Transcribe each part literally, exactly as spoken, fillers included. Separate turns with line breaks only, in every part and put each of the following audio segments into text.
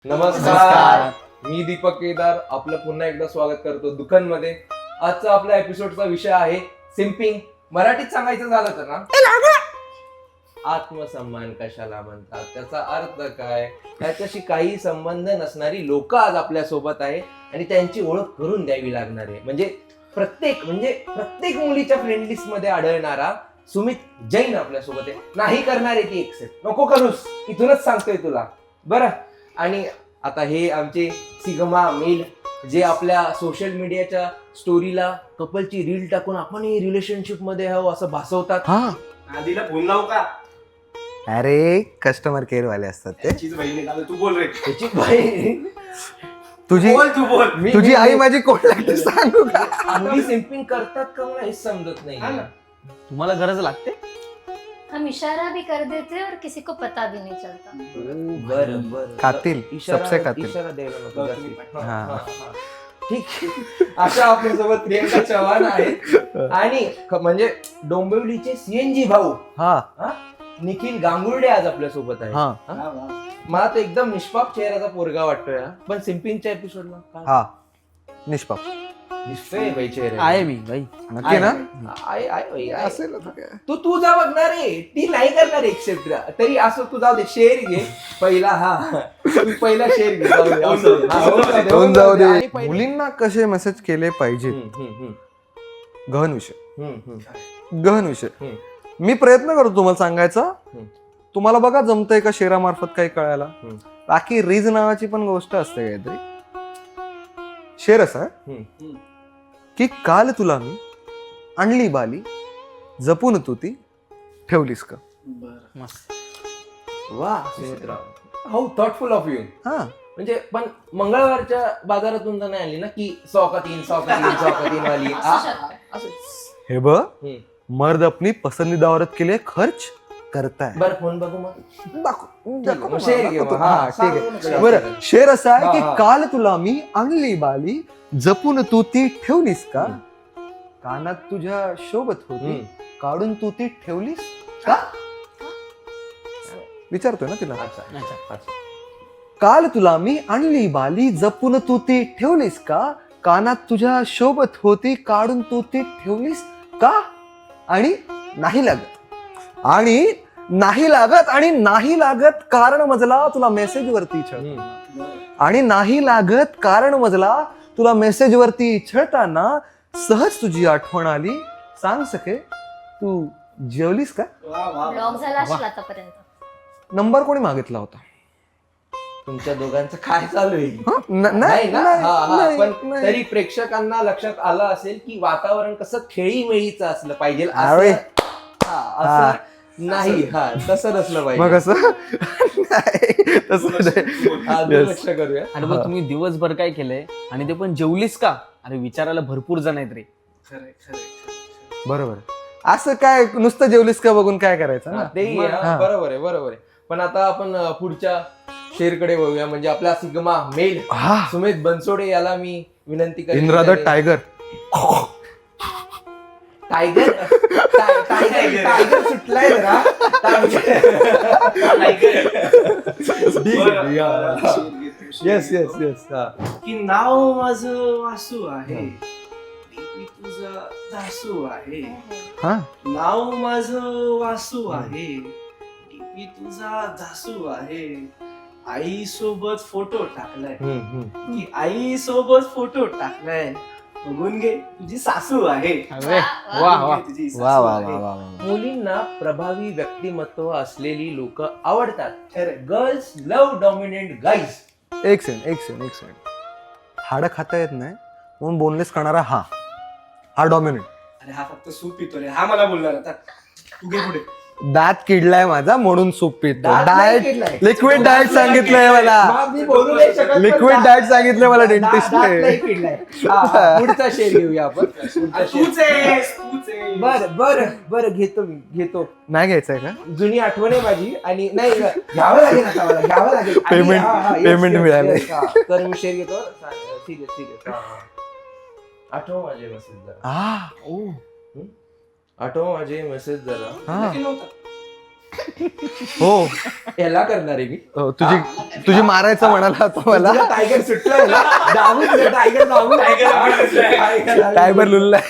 नमस्कार, मी दीपक केदार आपलं पुन्हा एकदा स्वागत करतो दुकानमध्ये. आजचा आपल्या एपिसोडचा विषय आहे सिम्पिंग. मराठीत सांगायचं झालं तर ना, आत्मसन्मान कशाला म्हणतात, त्याचा अर्थ काय, त्याच्याशी काही संबंध नसणारी लोक आज आपल्या सोबत आहे आणि त्यांची ओळख करून द्यावी लागणार आहे. म्हणजे प्रत्येक म्हणजे प्रत्येक मुलीच्या फ्रेंड लिस्ट मध्ये आढळणारा सुमित जैन आपल्या सोबत आहे. नाही करणार आहे ती एक्सेप्ट, नको करूस, इथूनच सांगतोय तुला बरं. आणि आता हे आमचे सिग्मा मेल जे आपल्या सोशल मीडियाच्या स्टोरीला कपलची रील टाकून आपण रिलेशनशिप मध्ये आहोत असं भासवतात.
हा
आधीला फोन लावू का?
अरे कस्टमर केअर वाले असतात ते.
त्याचीच बहीण आहे का? तू बोल रे.
त्याची बाई
तुझी
बोल तू बोल.
मी-
तुझी
मी-
आई माझी कोण लागते सांगू का?
मुली सिम्पिंग करतात का मला हेच समजत नाही.
हा ना.
तुम्हाला गरज लागते?
हम इशारा भी कर देते हैं और किसी को पता भी नहीं चलता.
बरं बरं
कातील,
इशारा
सबसे कातील.
इशारा द्यायला नको जास्ती. हा,
हा.
हा, हा. ठीक आहे. अशा आपल्यासोबत प्रियंका चव्हाण आहेत आणि ख- म्हणजे डोंबिवलीचे सीएनजी भाऊ
हा
निखिल गांगुर्डे आज आपल्या सोबत आहे.
हा
वा, वा.
मला तर एकदम निष्पाप चेहऱ्याचा पोरगा वाटतोय हा. पण सिम्पिंगच्या एपिसोडला काय
हा निष्पाप
दिसतोय बाई चेहरा
आहे मी बाई.
नक्की ना?
आहे आहे बाई, आहे.
असेल आता काय.
तू तू जा बघणार आहे, ती नाही करणार एक्सेप्ट. तरी असं तू जाऊ दे, शेअर घे पहिला. हा तू पहिला शेअर घे, जाऊ दे, असं. हा, होऊन जाऊ दे,
होऊन जाऊ दे.
आणि पहिले-
मुलींना कसे मेसेज केले पाहिजे,
हम्म, हम्म, हम्म,
गहन विषय
हम्म, हम्म.
गहन विषय
हम्म.
मी प्रयत्न करतो तुम्हाला सांगायचा.
हम्म.
तुम्हाला बघा जमतंय का शेरामार्फत काही कळायला.
हम्म.
बाकी रीज नावाची पण गोष्ट असते काहीतरी. शेर असा आहे
हम्म.
की काल तुला मी आणली बाली जपून तू ती ठेवलीस का.
बरं.
मस्त.
वा Sumitra, how thoughtful of you.
हा
म्हणजे पण मंगळवारच्या बाजारातून तर नाही आली ना की सौ का तीन सौ का तीन सौ का तीन वाली. आ,
असू शकतं.
असं.
हे ब
हम्म.
मर्द अपनी पसंदीदा औरत के लिए खर्च करता है.
बरं फोन बघू मग.
दाखव-
ठीक आहे, मग
दाखव
शेर घे
दाखवतो.
मग.
हा,
हा,
ठीक आहे.
सांगू नको
बरं
जास्त.
शेर असा आहे
हा,
की
हा.
काल तुला मी आणली बाली जपून तू ती ठेवलीस का.
हम्म.
कानात तुझ्या शोभत होती
हम्म.
काढून तू ती ठेवलीस का. विचारतोय ना तिला.
अच्छा अच्छा अच्छा.
काल तुला मी आणली बाली जपून तू ती ठेवलीस का. कानात तुझ्या शोभत होती काढून तू ती ठेवलीस का. आणि नाही लागत आणि नाही लागत आणि नाही लागत कारण मजला तुला मेसेज वरती छळ.
हम्म.
आणि नाही लागत कारण मजला तुला मेसेज वरती छळताना सहज तुझी आठवण आली. सांग सके तू जेवलीस का.
वा, वा, वा.
ब्लॉग झाला असेल आतापर्यंत.
नंबर कोणी मागितला होता.
तुमच्या दोघांचं काय चालू आहे.
हा? न-
नाही ना.
नाही,
हा, हा.
नाही,
पण
नाही.
तरी प्रेक्षकांना लक्षात आलं असेल की वातावरण कसं खेळीमेळीचं असलं पाहिजे. असं-
अरे.
हा, असं नाही. हा तसं नसलं
मग
पाहिजे.
असं नाही, तसं नाही.
हा,
Yes.
दुर्लक्ष करूया.
आणि मग तुम्ही दिवसभर काय केलंय आणि ते पण जेवलीस का. अरे विचारायला भरपूर जण आहेत रे.
खरंय, खरंय, खरंय.
बरोबर. असं काय नुसतं जेवलीस का बघून काय करायचं
हा,
ना.
तेही आहे, हा,
हा.
बरोबर आहे बरोबर आहे. पण आता आपण अं, पुढच्या शेरकडे वळूया. म्हणजे आपला सिग्मा मेल
हा
सुमित बनसोडे याला मी विनंती करेन.
Indra the tiger.
टायगर टाय- टायगर टायगर सुटलाय जरा.
बरं, बरं. शेर घेतो, शेर
येस येस
घेतो.
येस.
की नाव माझं वासू आहे मी तुझा दासू आहे.
हा
नाव माझं वासू आहे मी तुझा दासू आहे. आई सोबत फोटो टाकलाय की आई सोबत फोटो टाकलाय. बघून घे तुझी सासू आहे.
अरे
वा,
वा
बघून
वा
घे, तुझी सासू
वा वा
आहे.
वा वा वा.
मुलींना प्रभावी व्यक्तिमत्व असलेली लोक आवडतात.
खरंय.
Girls love dominant guys.
एक सेकंड एक सेकंड एक सेकंड. हाडं खाता येत नाही म्हणून बोनलेस करणारा हा हा डॉमिनेंट.
अरे हा फक्त सूप पितो रे. हा मला बोलणार आता. तू घे पुढे.
दात किडलाय माझा म्हणून सूप पितो.
दात नाही
डाएट
किडलाय.
लिक्विड डाएट सांगितलंय मला.
मग मी बोलू नाही शकत, पण
लिक्विड
दात-
डाएट सांगितलंय मला
दात- दात नाही
डेंटिस्ट.
किडलाय. हा, हा, पुढचा शेर घेऊया आपण. पुढचा
आ,
शेर.
तूच आहेस, तूच आहेस.
बर बर बर घेतो मी घेतो.
नाही घ्यायचंय का.
जुनी आठवण आहे माझी आणि नाही घ्यावं लागेल आता मला घ्यावं लागेल. आणि-
Payment-
हा, हा, yes,
payment
yes,
मिळालंय.
yes, हा. तर मी शेर घेतो. ठीक आहे ठीक आहे. आठव माझे मेसेज जरा.
आ, ओ.
आठव माझे मेसेज जरा.
हा.
नक्की नव्हता.
हो
याला करणार आहे मी
हो, तुझी तुझी मारायचं म्हणाला तो मला
तुझा टायगर सुटलाय ना दाबून दे, टायगर दाबून टायगर
टायबर लुल्लाय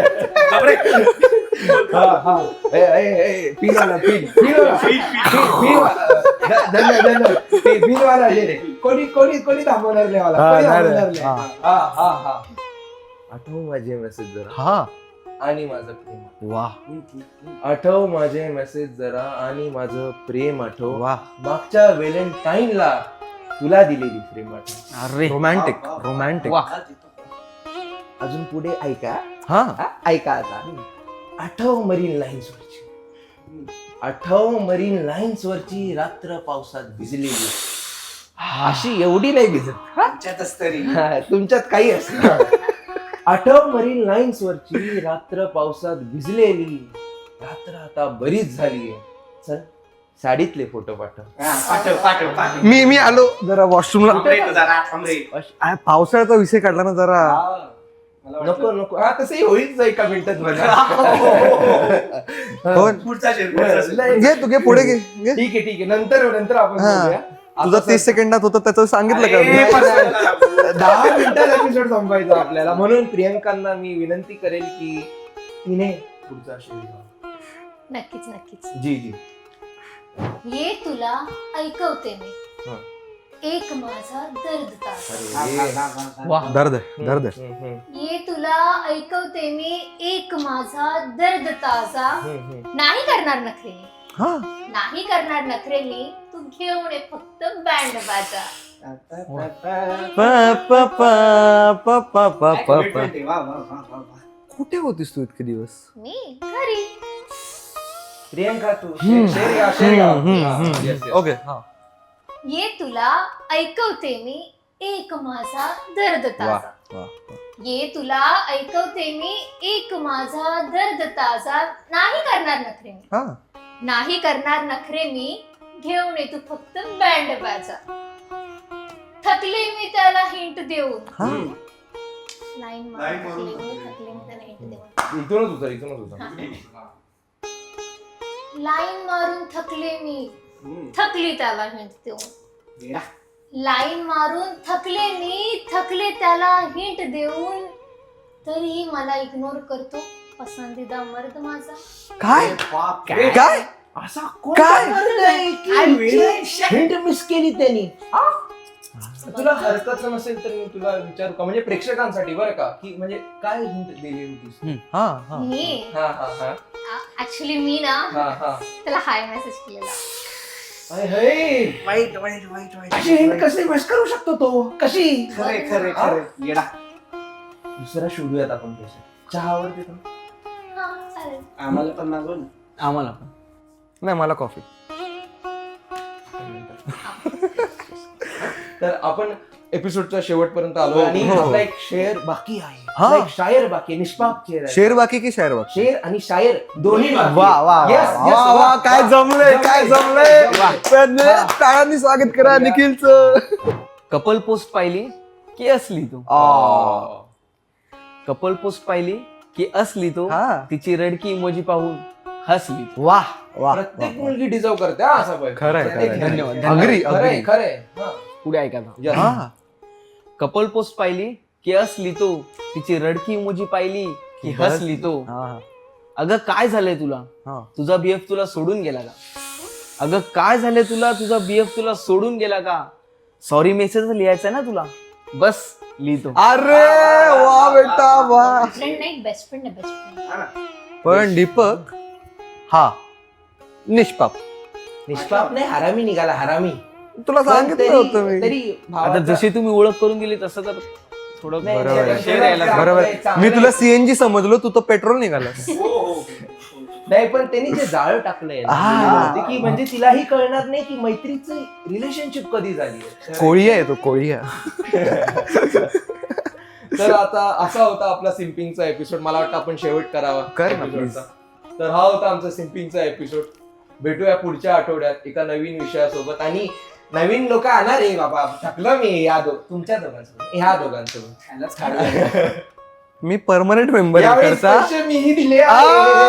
हा हा ए ए ए पिन वाला पिन पिन वाला पिन पिन वाला धन्य धन्य पिन पिन वाला जे रे कोणी कोणी कोणी थांबवणार नाही मला
हा,
कोणी
नाही रे.
थांबवणार नाही
हा.
हा हा हा आठव माझे मेसेज जरा
हा
आणि माझं प्रेम
वा
आठव माझे मेसेज जरा आणि माझं प्रेम आठव
वा
मागच्या व्हॅलेंटाईनला तुला दिलेली प्रेम आठव
अरे
रोमॅन्टिक रोमॅन्टिक
वा
अजून पुढे ऐका
हा
हा, ऐका आता आठव मरीन लाईन्स वरची आठव मरीन लाईन्स वरची रात्र पावसात भिजलेली अशी एवढी नाही भिजत
आमच्यातच तरी
हा, तुमच्यात काही असणार आठव मरीन लाईन्स वरची रात्र पावसात भिजलेली रात्र आता बरीच झाली चल साडीतले फोटो पाठव
हा, पाठव पाठव पाठव
मी मी आलो जरा वॉशरूमला
थांब रे तू जरा, थांब रे.
आ, पावसाळ्याचा विषय काढला ना जरा
हा, मला वाटलं-
नको नको हा तसंही होईल एका मिनिटात बघा
हो
पुढचा शेर, पुढचा शेर.
लय-
घे तू घे पुढे घे घे.
ठीक आहे ठीक आहे नंतर नंतर आपण
हा.
बोलूया.
तुझं
आता
तीस सेकंदात होतं त्याचं सांगितलं का
अरे,
मी?
पर्सनल.
दहा मिनिटात एपिसोड संपायचा आपल्याला म्हणून प्रियंकांना मी विनंती करेल की तिने पुढचा शेर घ्यावा.
नक्कीच नक्कीच
जी जी
ये तुला ऐकवते मी
हा.
एक माझा दर्द ताजा
हा,
अरे
हा, हा, हा, हा.
वा
दर्द आहे दर्द आहे
हम्म, हम्म,
ये तुला ऐकवते मी एक माझा दर्द ताजा
हम्म, हम्म.
नाही करणार नखरे मी
हा
नाही करणार नखरे मी तू घेऊन ये फक्त बँड बाजा
ता, ता, ता, ता.
प, प, प, प, प, प,
काय
प, प.
commitment आहे. वा, वा, वा, वा, वा.
कुठे होतीस तू इतके दिवस
मी घरी
प्रियंका तू
हम्म.
शेर घ्या शेर घ्या
हम्म,
हा,
हम्म,
yes, yes.
ओके हा
ये तुला ऐकवते मी एक माझा दर्द ताजा
वा
ये तुला ऐकवते मी एक माझा दर्द ताजा नाही करणार नखरे मी
हा
नाही करणार नखरे मी घेऊन ये तू फक्त बँड बाजा थकले मी त्याला हिंट देऊन
हा
हम्म.
लाईन
Line
मारून
मारून
थकले मी
थकले.
थकले मी त्याला हिंट देऊन
इथूनच उतर इथूनच उतर
हा. लाईन मारून थकले मी
हम्म.
थकली त्याला हिंट देऊन
येडा.
लाईन मारून थकले मी थकले त्याला हिंट देऊन तरीही मला इग्नोर करतो पसंदीदा मर्द माझा
काय
बाप
काय?
काय
असा
काय?
काय वेळ?
हिंट मिस केली त्यांनी तुला हरकत नसेल तर मी तुला विचारू का म्हणजे प्रेक्षकांसाठी बरं का की म्हणजे काय हिंट दिली होतीस
हा हा
मी
हा हा हा
ऍक्च्युली मी ना
हा हा
त्याला हाय मेसेज केलेला
अय, हय.
वाईट वाईट वाईट वाईट
अशी हिंट कशी मिस करू शकतो तो कशी
खरे खरे खरे येडा
दुसरा शोधूयात आपण पैसे चहा आवडते का?
हा चालेल
आम्हाला पण मागव ना
आम्हाला पण
नाही मला कॉफी
तर आपण एपिसोडच्या शेवटपर्यंत आलो आणि
हो, हो.
आपला एक शेर बाकी आहे
हा.
आपला एक शायर बाकी आहे, निष्पाप शेर आहे
शेर बाकी की शेर बाकी
शेर आणि शायर दोन्ही बाकी
वा
आहे.
वा
Yes,
वा,
yes,
वा, वा,
वा.
काय जमलंय काय जमलंय
जमलंय.
पण टाळ्यांनी स्वागत करा निखिलचं
कपल पोस्ट पाहिली की असली तू
आ.
कपल पोस्ट पाहिली की असली तू
हा.
तिची रडकी इमोजी पाहून हसली तू.
वा वा
प्रत्येक मुलगी डिझर्व करते हा असा पाहिजे.
खरंय,
प्रत्येक
खरंय.
मुलगी.
धन्यवाद,
अग्री
खरंय
अग्री
खरंय हा.
पुढे ऐका आता.
Yes.
हा
कपल पोस्ट पाहिली की असली तू तिची रडकी इमोजी पाहिली की
बस.
हसली तू
हा
अगं काय झालंय तुला
हा
तुझा बीएफ तुला सोडून गेला का अगं काय झालंय तुला तुझा बीएफ तुला सोडून गेला का सॉरी मेसेज लिहायचा ना तुला बस लिहितो
अरे वा बेटा वा
फ्रेंड नाही बेस्ट फ्रेंड आहे बेस्ट फ्रेंड
हा ना.
पण दीपक हा निष्पाप
निष्पाप नाही हरामी निघाला हरामी
तुला
पण
सांगितलं
तरी-
होतं मी
तरी
आता
भावाचा-
जशी तुम्ही ओळख करून दिली तसं तर थोडं
नाही,
बरोबर आहे.
नाही,
शेर यायला
चांगलं
बरोबर
आहे, चांगलं
मी
आहे.
तुला सीएनजी समजलो तू तर पेट्रोल निघालास
हो, हो, हो.
नाही पण त्यांनी जे जाळ टाकलंय ना,
आ.
ते की म्हणजे तिलाही कळणार नाही की मैत्रीचं रिलेशनशिप कधी झाली आहे.
कोळी आहे तो कोळी
तर आता असा होता आपला सिम्पिंगचा एपिसोड मला वाटतं आपण शेवट करावा
कर ना,
episodeचा. तर हा होता आमचा सिम्पिंगचा एपिसोड भेटूया पुढच्या आठवड्यात एका नवीन विषयासोबत आणि नवीन लोक आणणार आहे बाबा थकलं मी या दो तुमच्या दोघांसोबत ह्या दोघांसोबत
ह्यालाच काढूया.
मी परमनंट मेंबर
यावेळेस
करता
पैसे मीही दिले
आ!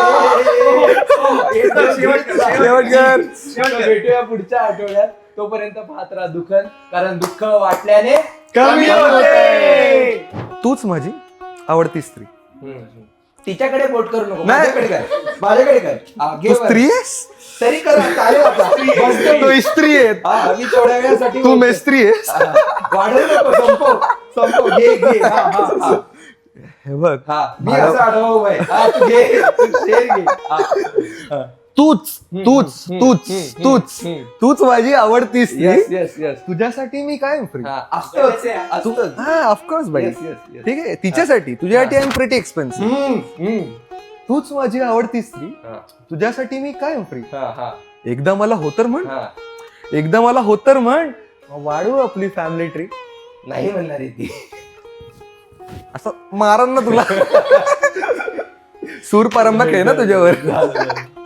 शेवट
शेवट कर.
भेटूया पुढच्या आठवड्यात. तोपर्यंत पाहत राहा दुखन, कारण दुःख वाटल्याने
कमी
होते.
तूच माझी आवडती स्त्री.
हम्म. तिच्याकडे बोट करू नको,
नाही.
माझ्याकडे कर, माझ्याकडे कर. हा, घे
तू
बरं.
स्त्री आहेस.
तरी कर, चालेल आता. बसतो
तू
मी.
स्त्री आहे.
हा, मी थोड्या वेळासाठी
तू
बोलतो.
मेस्त्री आहेस.
हा, वाढवू नको, संपव संपव, घे घे. हा, हा, हा.
हे बघ
हा, मी असं आढावा उभा आहे. हा, तू घे, तू शेर घे. हा. हा.
तूच तूच
हम्म,
तूच
हम्म,
तूच
हम्म.
तूच माझी आवडती स्त्री.
Yes, yes, yes.
तुझ्यासाठी मी कायम फ्री.
हा, असतोच, असतोच.
हा ऑफकोर्स बाई.
Yes, yes, yes.
ठीक आहे तिच्यासाठी तुझ्यासाठी आय एम प्रिटी एक्सपेन्सिव्ह.
हम्म, हम्म.
तूच माझी आवडती स्त्री.
हा,
तुझ्यासाठी मी कायम फ्री.
हा, हा,
एकदा मला होतर म्हण.
हा.
एकदा मला होतर म्हण. वाढू आपली फॅमिली ट्रिप.
नाही म्हणणार आहे ती.
असं मारन ना तुला. सूर पारंबा आहे ना तुझ्यावर.
झालं, झालं.